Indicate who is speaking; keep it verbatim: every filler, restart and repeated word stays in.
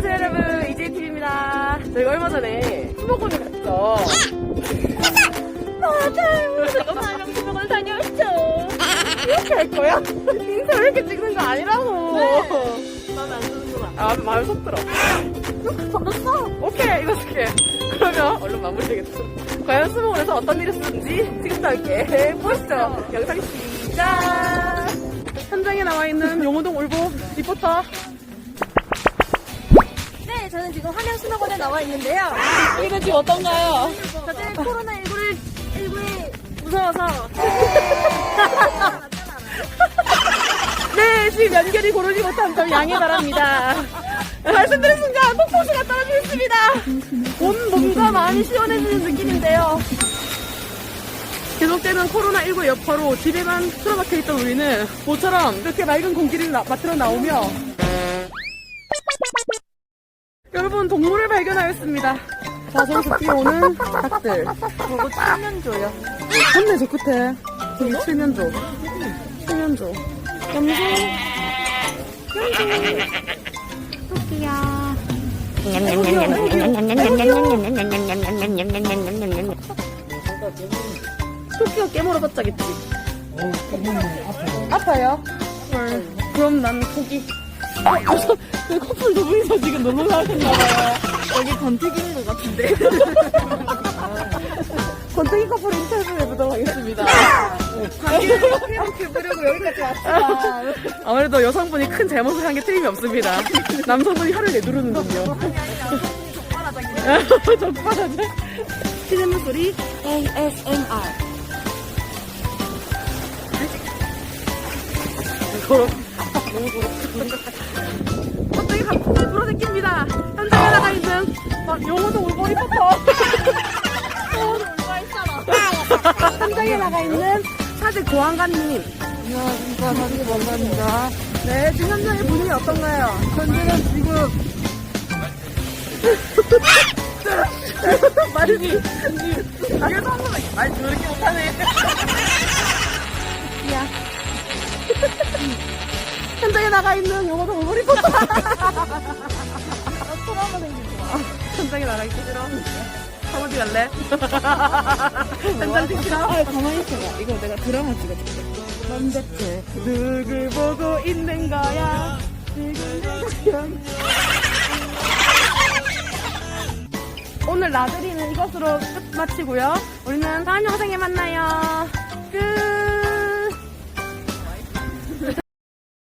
Speaker 1: 안녕하세요 여러분, 이제이티비입니다. 저희가 얼마 전에 수목원을 갔죠. 맞아요. 제가 사랑 수목원 다녀왔죠. 이렇게 할 거야? 인사 이렇게 찍는 거 아니라고.
Speaker 2: 네. 마음에 안 드는구나.
Speaker 1: 아, 마음에 속 들어. 졌어. 오케이, 이거 쓸게. 그러면 얼른 마무리 되겠죠. 과연 수목원에서 어떤 일이 있었는지 지금부터 함께 보시죠. 영상 시작. 현장에 나와 있는 용호동 울보 리포터.
Speaker 2: 네, 저는 지금 함양 수목원에 나와 있는데요.
Speaker 1: 이거 지금 어떤가요?
Speaker 2: 다들 코로나십구를 일부에 무서워서
Speaker 1: 네, 지금 연결이 고르지 못한 점 양해 바랍니다. 말씀드린 순간 폭포수가 떨어지겠습니다. 온 몸과 마음이 시원해지는 느낌인데요. 계속되는 코로나십구 여파로 집에만 틀어박혀 있던 우리는 모처럼 이렇게 맑은 공기를 나, 맡으러 나오며 여러분, 동물을 발견하였습니다. 자, 저기서 뛰어오는 닭들. 그리고 칠면조요. 맞네, 저 끝에. 저기 칠면조. 칠면조. 염소. 염소. 토끼야. 토끼가 깨물어 봤자겠지. 아파요? 헐. 그럼 난 포기. 어, 저, 그 커플 두 분이서 지금 놀러 나왔나봐요.
Speaker 2: 여기 권태기인 것 같은데.
Speaker 1: 권태기 커플 인터뷰 해보도록 하겠습니다.
Speaker 2: 회복해보려고 여기까지 왔다.
Speaker 1: 아무래도 여성분이 큰 잘못을 한 게 틀림이 없습니다. 남성분이 혀를 내두르는군요. 적발하죠. 시네물 소리 에이에스엠알. 고로 너무 고로. 갑자기 갑자기 불어새깁니다. 현장에 나가 있는 용호동 울보 리포터. 현장에 나가 있는 사직 고안관님.
Speaker 2: 안녕하십니까, 사진 원장입니다.
Speaker 1: 네, 지금 현장의 분위기 어떤가요?
Speaker 2: 현재는 지금
Speaker 1: 말이지. 그래서 한 번만 말 저렇게 못하네. 야. 현장에 나가 있는 용호동 울보 리포터.
Speaker 2: 트라우마 생기지 마.
Speaker 1: 현장에 나가 있기 싫어. 어디 갈래? 현장 찍 싫어?
Speaker 2: 아, 가만히 있어봐. 이거 내가 드라마 찍어줄게.
Speaker 1: 넌 대체 누굴 보고 있는 거야? 누굴 오늘 나들이는 이것으로 끝 마치고요. 우리는 다음 영상에 만나요. 끝.